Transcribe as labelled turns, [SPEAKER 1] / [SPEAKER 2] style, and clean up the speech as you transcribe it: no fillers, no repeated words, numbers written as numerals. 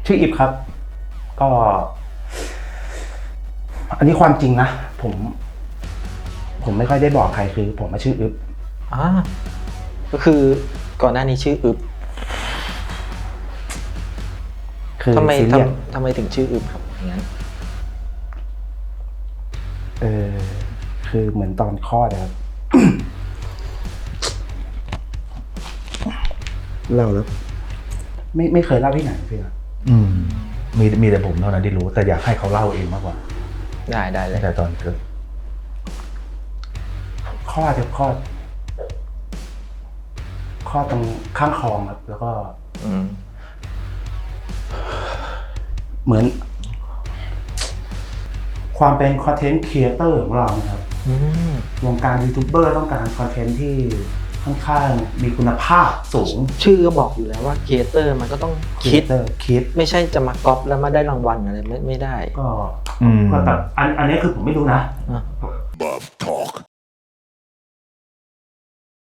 [SPEAKER 1] ชื่ออิฟครับก็ อันนี้ความจริงนะผมไม่ค่อยได้บอกใครคือผมมาชื่ออิฟ
[SPEAKER 2] ก็คือก่อนหน้านี้ชื่ออึบ
[SPEAKER 1] คือ
[SPEAKER 2] ทำไม
[SPEAKER 1] ซีเรียส
[SPEAKER 2] ทำไมถึงชื่ออึบครับอย่างนั้น
[SPEAKER 1] คือเหมือนตอนคลอดนะครับ เล่าแล้วไม่เคยเล่าที่ไหนพี่นะ
[SPEAKER 3] มีแต่ผมเท่านั้นที่รู้แต่อยากให้เขาเล่าเองมากกว่า
[SPEAKER 2] ได้เลย
[SPEAKER 3] แต่ตอนเกิด
[SPEAKER 1] คลอดตรงข้างคลองครับแล้วก็เหมือน ความเป็นคอนเทนต์ครีเอเตอร์ของเรานะครับวงการยูทูบเบอร์ต้องการคอนเทนต์ที่ค่อนข้างมีคุณภาพสูง
[SPEAKER 2] ชื่อก็บอกอยู่แล้วว่าครีเอเตอร์มันก็ต้องคิดไม่ใช่จะมาก๊อปแล้วมาได้รางวัลอะไรไม่ได้
[SPEAKER 1] ก็แบบอันนี้คือผมไม่รู้นะ